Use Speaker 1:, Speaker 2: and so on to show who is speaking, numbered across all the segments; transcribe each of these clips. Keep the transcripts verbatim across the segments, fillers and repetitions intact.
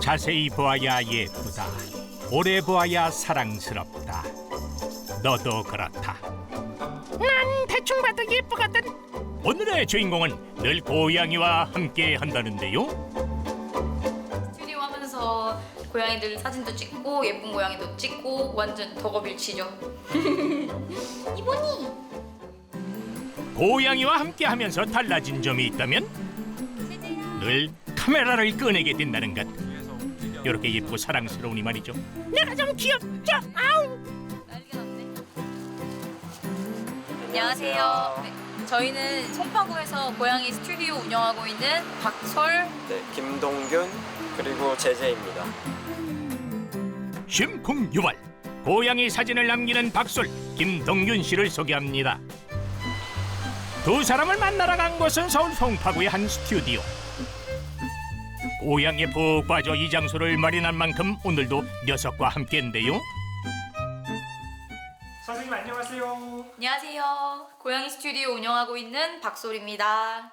Speaker 1: 자세히 보아야 예쁘다. 오래 보아야 사랑스럽다. 너도 그렇다. 난 대충 봐도 예쁘거든. 오늘의 주인공은 늘 고양이와 함께 한다는데요.
Speaker 2: 스튜디오 하면서 고양이들 사진도 찍고 예쁜 고양이도 찍고 완전 덕업일치죠. 이모니.
Speaker 1: 고양이와 함께 하면서 달라진 점이 있다면 늘 카메라를 꺼내게 된다는 것. 이렇게 예쁘고 사랑스러우니 말이죠. 내가 좀 귀엽죠? 아우.
Speaker 2: 난리가 났네. 안녕하세요. 네, 저희는 송파구에서 고양이 스튜디오 운영하고 있는 박솔,
Speaker 3: 네, 김동균 그리고 제재입니다.
Speaker 1: 심쿵유발 고양이 사진을 남기는 박솔, 김동균 씨를 소개합니다. 두 사람을 만나러 간 곳은 서울 송파구의 한 스튜디오. 고양이에 푹 빠져 이 장소를 마련한 만큼 오늘도 녀석과 함께인데요.
Speaker 4: 선생님 안녕하세요.
Speaker 2: 안녕하세요. 고양이 스튜디오 운영하고 있는 박솔입니다.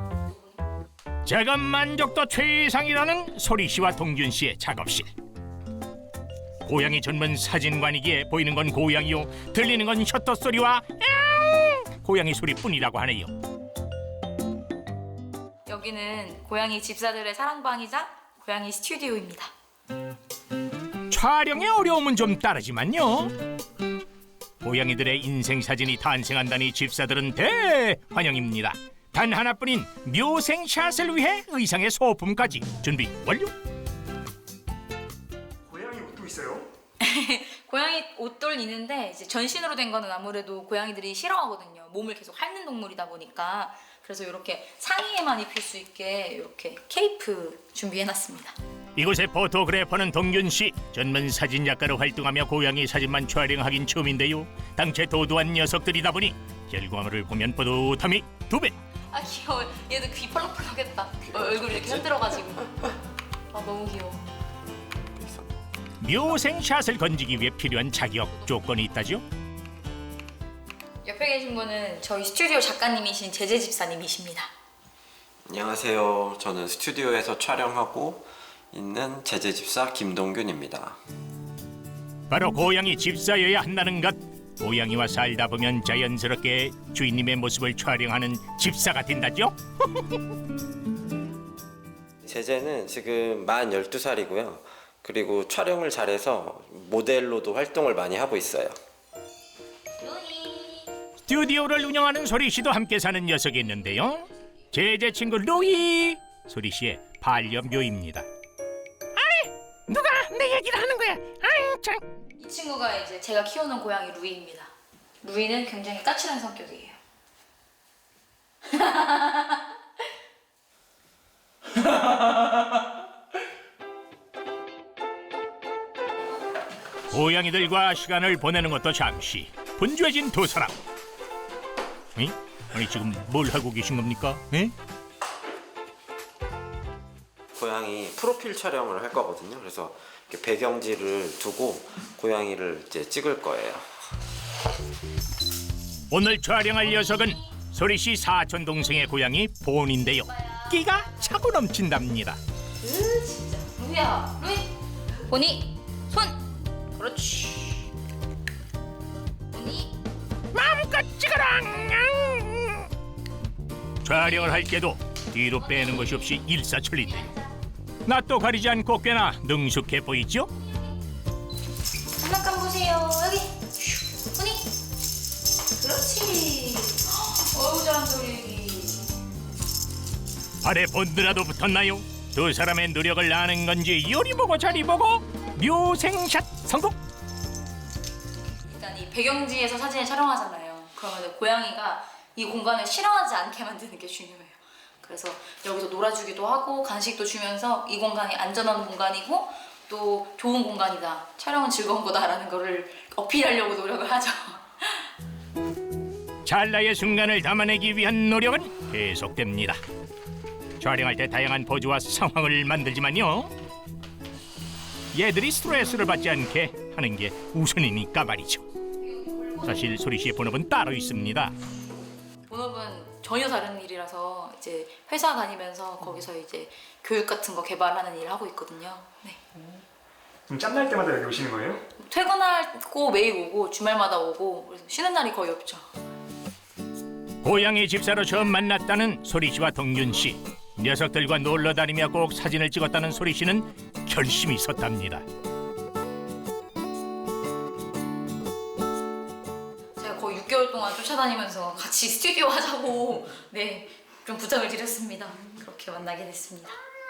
Speaker 1: 작업 만족도 최상이라는 소리 씨와 동균 씨의 작업실. 고양이 전문 사진관이기에 보이는 건 고양이요, 들리는 건 셔터 소리와 야옹! 고양이 소리뿐이라고 하네요.
Speaker 2: 여기는 고양이 집사들의 사랑방이자 고양이 스튜디오입니다.
Speaker 1: 촬영의 어려움은 좀 따르지만요. 고양이들의 인생 사진이 탄생한다니 집사들은 대환영입니다. 단 하나뿐인 묘생샷을 위해 의상의 소품까지 준비 완료.
Speaker 4: 고양이 옷도 있어요?
Speaker 2: 고양이 옷돌 있는데 이제 전신으로 된 거는 아무래도 고양이들이 싫어하거든요. 몸을 계속 핥는 동물이다 보니까. 그래서 이렇게 상의에만 입힐 수 있게 이렇게 케이프 준비해놨습니다.
Speaker 1: 이곳의 포토그래퍼는 동균 씨. 전문 사진 작가로 활동하며 고양이 사진만 촬영하긴 처음인데요. 당최 도도한 녀석들이다 보니 결과물을 보면 뿌듯함이 두 배.
Speaker 2: 아 귀여워. 얘도 귀 펄럭펄럭했다. 어, 얼굴 이렇게 흔들어가지고. 아 너무 귀여워.
Speaker 1: 묘생샷을 건지기 위해 필요한 자격 조건이 있다죠.
Speaker 2: 옆에 계신 분은 저희 스튜디오 작가님이신 제재 집사님이십니다.
Speaker 3: 안녕하세요. 저는 스튜디오에서 촬영하고 있는 제재 집사 김동균입니다.
Speaker 1: 바로 고양이 집사여야 한다는 것. 고양이와 살다 보면 자연스럽게 주인님의 모습을 촬영하는 집사가 된다죠.
Speaker 3: 제재는 지금 만 열두 살이고요. 그리고 촬영을 잘해서 모델로도 활동을 많이 하고 있어요.
Speaker 1: 스튜디오를 운영하는 소리 씨도 함께 사는 녀석이 있는데요. 제제 친구 루이. 소리 씨의 반려묘입니다. 아니, 누가 내 얘기를 하는 거야? 아이 참.
Speaker 2: 이 친구가 이제 제가 키우는 고양이 루이입니다. 루이는 굉장히 까칠한 성격이에요.
Speaker 1: 고양이들과 시간을 보내는 것도 잠시 분주해진 두 사람. 에? 아니 지금 뭘 하고 계신 겁니까? 에?
Speaker 3: 고양이 프로필 촬영을 할 거거든요. 그래서 이렇게 배경지를 두고 고양이를 이제 찍을 거예요.
Speaker 1: 오늘 촬영할 녀석은 소리 씨 사촌 동생의 고양이 본인데요. 끼가 차고 넘친답니다.
Speaker 2: 으 진짜 루이야 루이 보니 손 그렇지 보니
Speaker 1: 마음껏 찍어라. 촬영을 할 때도 뒤로 빼는 것이 없이 일사천리인데요. 낯도 가리지 않고 꽤나 능숙해 보이죠?
Speaker 2: 장난감 보세요 여기 보니 그렇지 어우 잘한다 우리 애기
Speaker 1: 발에 본드라도 붙었나요? 두 사람의 노력을 아는 건지 요리 보고 저리 보고 묘생샷 성공!
Speaker 2: 일단 이 배경지에서 사진을 촬영하잖아요. 그러면 고양이가 이 공간을 싫어하지 않게 만드는 게 중요해요. 그래서 여기서 놀아주기도 하고 간식도 주면서 이 공간이 안전한 공간이고 또 좋은 공간이다. 촬영은 즐거운 거다라는 거를 어필하려고 노력을 하죠.
Speaker 1: 찰나의 순간을 담아내기 위한 노력은 계속됩니다. 촬영할 때 다양한 포즈와 상황을 만들지만요. 얘들이 스트레스를 받지 않게 하는 게 우선이니까 말이죠. 사실 소리 씨의 본업은 따로 있습니다.
Speaker 2: 본업은 전혀 다른 일이라서 이제 회사 다니면서 거기서 이제 교육 같은 거 개발하는 일을 하고 있거든요. 네.
Speaker 4: 그럼 짬날 때마다 여기 오시는 거예요?
Speaker 2: 퇴근하고 매일 오고 주말마다 오고 그래서 쉬는 날이 거의 없죠.
Speaker 1: 고양이 집사로 처음 만났다는 소리 씨와 동균 씨. 녀석들과 놀러 다니며 꼭 사진을 찍었다는 소리 씨는 결심이 섰답니다.
Speaker 2: 제가 거의 육 개월 동안 쫓아다니면서 같이 스튜디오 하자고 네, 좀 부탁을 드렸습니다. 그렇게 만나게 됐습니다.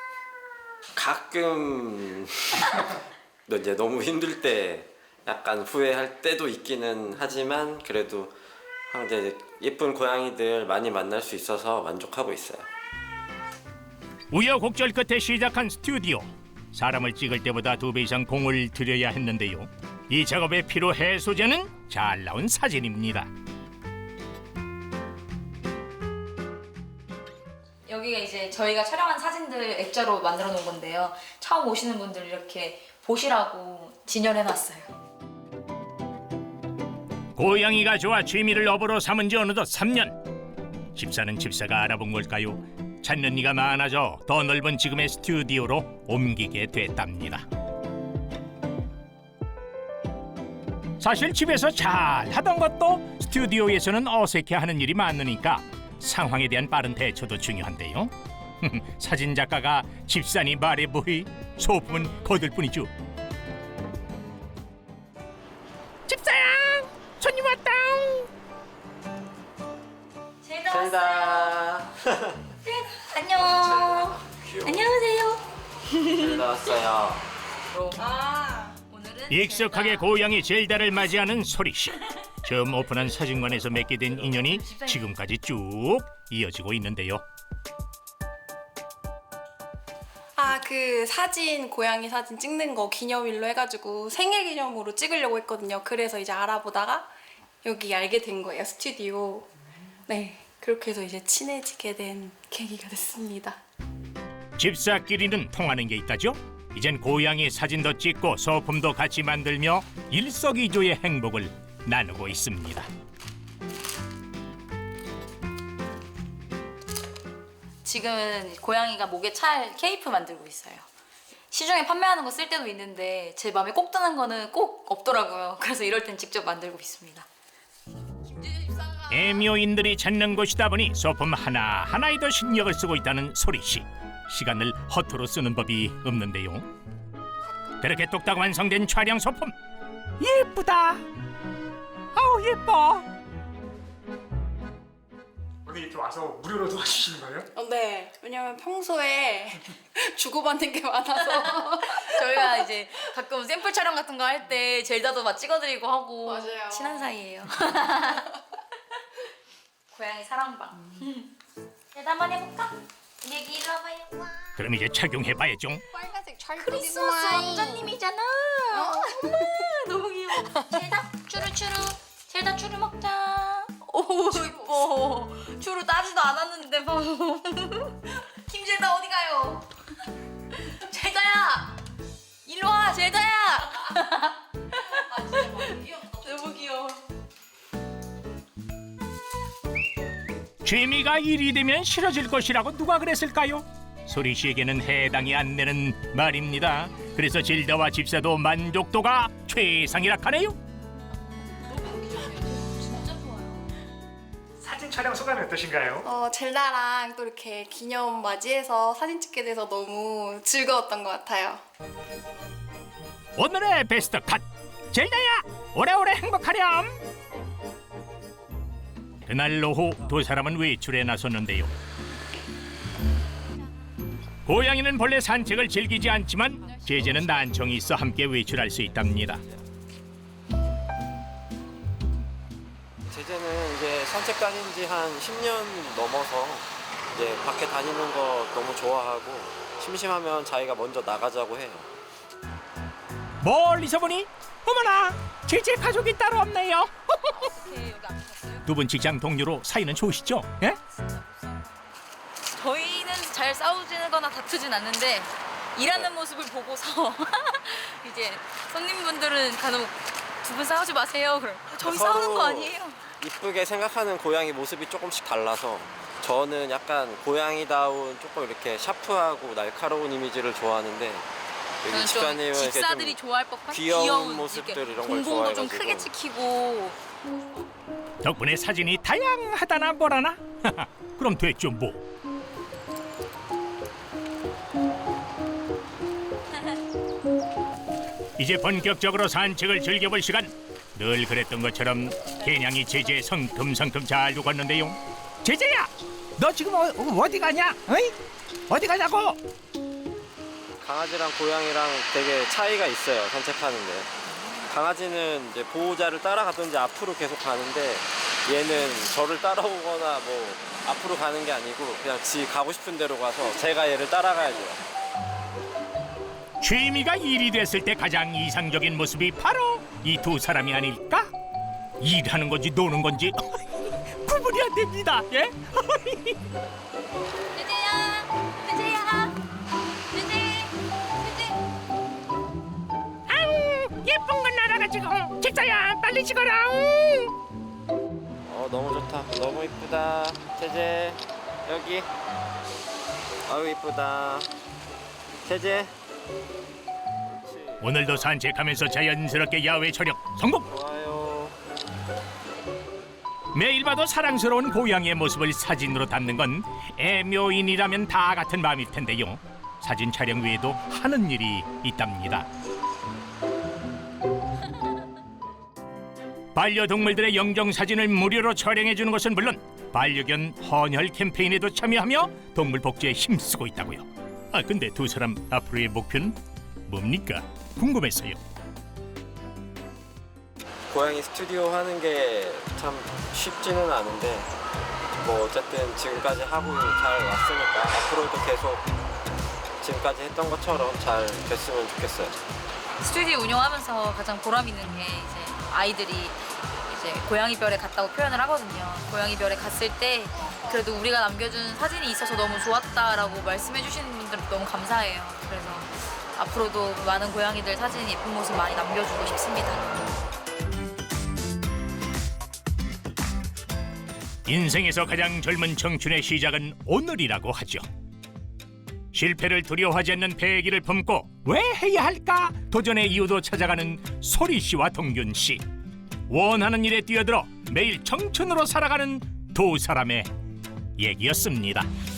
Speaker 3: 가끔 이제 너무 힘들 때 약간 후회할 때도 있기는 하지만 그래도 이제 예쁜 고양이들 많이 만날 수 있어서 만족하고 있어요.
Speaker 1: 우여곡절 끝에 시작한 스튜디오. 사람을 찍을 때보다 두 배 이상 공을 들여야 했는데요. 이 작업의 피로 해소제는 잘 나온 사진입니다.
Speaker 2: 여기가 이제 저희가 촬영한 사진들 액자로 만들어 놓은 건데요. 처음 오시는 분들 이렇게 보시라고 진열해놨어요.
Speaker 1: 고양이가 좋아 취미를 업으로 삼은 지 어느덧 삼 년. 집사는 집사가 알아본 걸까요? 찾는 이가 많아져 더 넓은 지금의 스튜디오로 옮기게 됐답니다. 사실 집에서 잘 하던 것도 스튜디오에서는 어색해하는 일이 많으니까 상황에 대한 빠른 대처도 중요한데요. 사진 작가가 집사니 말해 뭐이 소품은 거들 뿐이죠. 집사야, 손님 왔다.
Speaker 2: 제가
Speaker 3: zel다.
Speaker 2: 안녕.
Speaker 3: 귀여워.
Speaker 2: 안녕하세요.
Speaker 3: zel다 왔어요.
Speaker 2: 아, 오늘은
Speaker 1: 익숙하게
Speaker 2: 제가
Speaker 1: 고양이 젤다를 맞이하는 소리씨. 처음 오픈한 사진관에서 맺게 된 인연이 지금까지 쭉 이어지고 있는데요.
Speaker 5: 아, 그 사진, 고양이 사진 찍는 거 기념일로 해가지고 생일 기념으로 찍으려고 했거든요. 그래서 이제 알아보다가 여기 알게 된 거예요, 스튜디오. 네, 그렇게 해서 이제 친해지게 된 계기가 됐습니다.
Speaker 1: 집사끼리는 통하는 게 있다죠. 이젠 고양이 사진도 찍고 소품도 같이 만들며 일석이조의 행복을 나누고 있습니다.
Speaker 2: 지금은 고양이가 목에 찰 케이프 만들고 있어요. 시중에 판매하는 거 쓸 때도 있는데 제 마음에 꼭 드는 거는 꼭 없더라고요. 그래서 이럴 땐 직접 만들고 있습니다.
Speaker 1: 애묘인들이 찾는 곳이다 보니 소품 하나하나에도 신경을 쓰고 있다는 소리씨. 시간을 허투루 쓰는 법이 없는데요. 그렇게 뚝딱 완성된 촬영 소품. 예쁘다. 아우 예뻐.
Speaker 4: 오늘 이렇게 와서 무료로 도와주시는 거예요?
Speaker 5: 어, 네, 왜냐면 평소에 주고받는 게 많아서.
Speaker 2: 저희가 이제 가끔 샘플 촬영 같은 거 할 때 젤다도 막 찍어드리고 하고
Speaker 5: 맞아요.
Speaker 2: 친한 사이예요. 고양이 사랑방. 젤다 한번 해볼까? 우리 애기 일로 와봐요.
Speaker 1: 그럼 이제 착용해봐야죠.
Speaker 5: 빨간색
Speaker 2: 크리스마스 왕자님이잖아. 엄마 너무 귀여워. 젤다 추루추루. 젤다 추루 먹자. 오 이뻐. 추루 따지도 않았는데 봐. 김젤다 어디 가요? 젤다야. 일로 와 젤다야. 아 진짜 너무 귀엽다. 너무 귀여워.
Speaker 1: 취미가 일이 되면 싫어질 것이라고 누가 그랬을까요? 소리 씨에게는 해당이 안 되는 말입니다. 그래서 질다와 집사도 만족도가 최상이라 하네요.
Speaker 2: 진짜 좋아요.
Speaker 4: 사진 촬영 소감이 어떠신가요?
Speaker 5: 어, 젤다랑 또 이렇게 기념 맞이해서 사진 찍게 돼서 너무 즐거웠던 것 같아요.
Speaker 1: 오늘의 베스트 컷! 젤다야! 오래오래 행복하렴! 그날 오후 두 사람은 외출에 나섰는데요. 고양이는 본래 산책을 즐기지 않지만 제재는 난청이 있어 함께 외출할 수 있답니다.
Speaker 3: 제재는 이제 산책 다닌 지 한 십 년 넘어서 이제 밖에 다니는 거 너무 좋아하고 심심하면 자기가 먼저 나가자고 해요.
Speaker 1: 멀리서 보니 어머나 제재 가족이 따로 없네요. 두 분 직장 동료로 사이는 좋으시죠? 예?
Speaker 2: 저희는 잘 싸우지거나 다투진 않는데 일하는 모습을 보고서 이제 손님분들은 간혹 두 분 싸우지 마세요. 그럼 저희
Speaker 3: 서로
Speaker 2: 싸우는 거 아니에요?
Speaker 3: 이쁘게 생각하는 고양이 모습이 조금씩 달라서 저는 약간 고양이다운 조금 이렇게 샤프하고 날카로운 이미지를 좋아하는데 여기
Speaker 2: 저는 좀
Speaker 3: 집사님은 이렇게
Speaker 2: 집사들이
Speaker 3: 좀
Speaker 2: 좋아할 법한
Speaker 3: 귀여운
Speaker 2: 귀여운
Speaker 3: 모습들
Speaker 2: 이렇게
Speaker 3: 이런 걸
Speaker 2: 동공도 좀
Speaker 3: 좋아해가지고.
Speaker 2: 크게 찍히고.
Speaker 1: 덕분에 사진이 다양하다나 뭐라나? 그럼 됐죠 뭐. 이제 본격적으로 산책을 즐겨볼 시간. 늘 그랬던 것처럼 개냥이 제제 성큼성큼 잘 죽었는데요. 제제야, 너 지금 어, 어디 가냐? 어이? 어디 가냐고?
Speaker 3: 강아지랑 고양이랑 되게 차이가 있어요, 산책하는데. 강아지는 이제 보호자를 따라가든지 앞으로 계속 가는데 얘는 저를 따라오거나 뭐 앞으로 가는 게 아니고 그냥 지 가고 싶은 대로 가서 제가 얘를 따라가야죠.
Speaker 1: 취미가 일이 됐을 때 가장 이상적인 모습이 바로 이 두 사람이 아닐까? 일하는 건지 노는 건지 구분이 안 됩니다. 예?
Speaker 2: 제제야, 제제야, 제제, 제제.
Speaker 1: 아우 예쁜 건 날아가지고 직사야 빨리 찍어라.
Speaker 3: 어 너무 좋다, 너무 이쁘다. 제제 여기. 아유 이쁘다. 제제.
Speaker 1: 오늘도 산책하면서 자연스럽게 야외 촬영 성공.
Speaker 3: 좋아요.
Speaker 1: 매일 봐도 사랑스러운 고양이의 모습을 사진으로 담는 건 애묘인이라면 다 같은 마음일 텐데요. 사진 촬영 외에도 하는 일이 있답니다. 반려동물들의 영정 사진을 무료로 촬영해 주는 것은 물론 반려견 헌혈 캠페인에도 참여하며 동물 복지에 힘쓰고 있다고요. 아 근데 두 사람 앞으로의 목표는 뭡니까? 궁금했어요.
Speaker 3: 고양이 스튜디오 하는 게 참 쉽지는 않은데 뭐 어쨌든 지금까지 하고 잘 왔으니까 앞으로도 계속 지금까지 했던 것처럼 잘 됐으면 좋겠어요.
Speaker 2: 스튜디오 운영하면서 가장 보람 있는 게 이제 아이들이 이제 고양이 별에 갔다고 표현을 하거든요. 고양이 별에 갔을 때 그래도 우리가 남겨준 사진이 있어서 너무 좋았다라고 말씀해 주시는 분들 너무 감사해요. 그래서 앞으로도 많은 고양이들 사진 예쁜 모습 많이 남겨주고 싶습니다.
Speaker 1: 인생에서 가장 젊은 청춘의 시작은 오늘이라고 하죠. 실패를 두려워하지 않는 패기를 품고 왜 해야 할까 도전의 이유도 찾아가는 소리 씨와 동균 씨. 원하는 일에 뛰어들어 매일 청춘으로 살아가는 두 사람의 얘기였습니다.